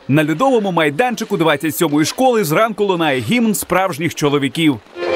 На льодовому майданчику 27-ї школи зранку лунає гімн справжніх чоловіків.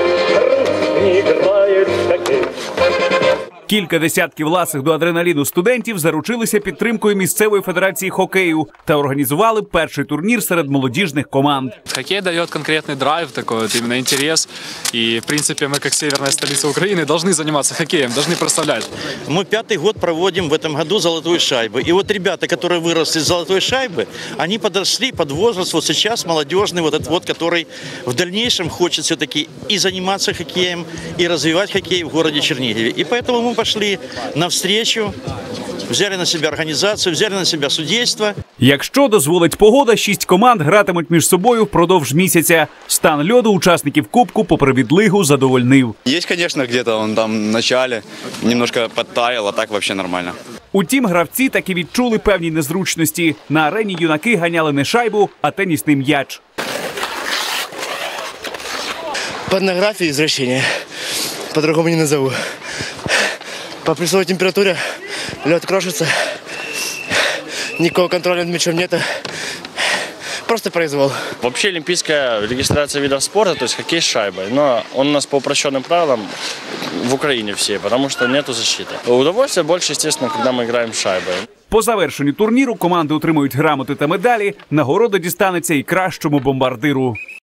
Кілька десятків ласих до адреналіну студентів заручилися підтримкою місцевої федерації хокею та організували перший турнір серед молодіжних команд. Хоккей дает конкретный драйв, такой вот именно интерес. И, в принципе, мы, как северная столица Украины, должны заниматься хоккеем, должны прославлять. Мы 5-й год проводим в этом году «Золотую шайбу». И вот ребята, которые выросли из «Золотой шайбы», они подросли под возраст вот сейчас молодежный, вот этот вот, который в дальнейшем хочет все-таки и заниматься хоккеем, и развивать хоккей в городе Чернигове. И поэтому мы пошли навстречу, взяли на себя организацию, взяли на себя судейство. Якщо дозволить погода, 6 команд гратимуть між собою впродовж місяця. Стан льоду учасників Кубку попри відлигу задовольнив. Есть, конечно, где-то он там в начале немножко подтаял, а так вообще нормально. Утім, гравці таки відчули певні незручності. На арені юнаки ганяли не шайбу, а тенісний м'яч. Порнография и извращение. По-другому не назову. По плюсовой температуре лед крошится. Никакого контроля над мячом нет. Просто произвол. Вообще олимпийская регистрация видов спорта, то есть хоккей с шайбой. Но он у нас по упрощенным правилам в Украине все, потому что нету защиты. Удовольствие больше, естественно, когда мы играем с шайбой. По завершенню турніру команди отримують грамоти та медалі. Нагорода дістанеться і кращому бомбардиру.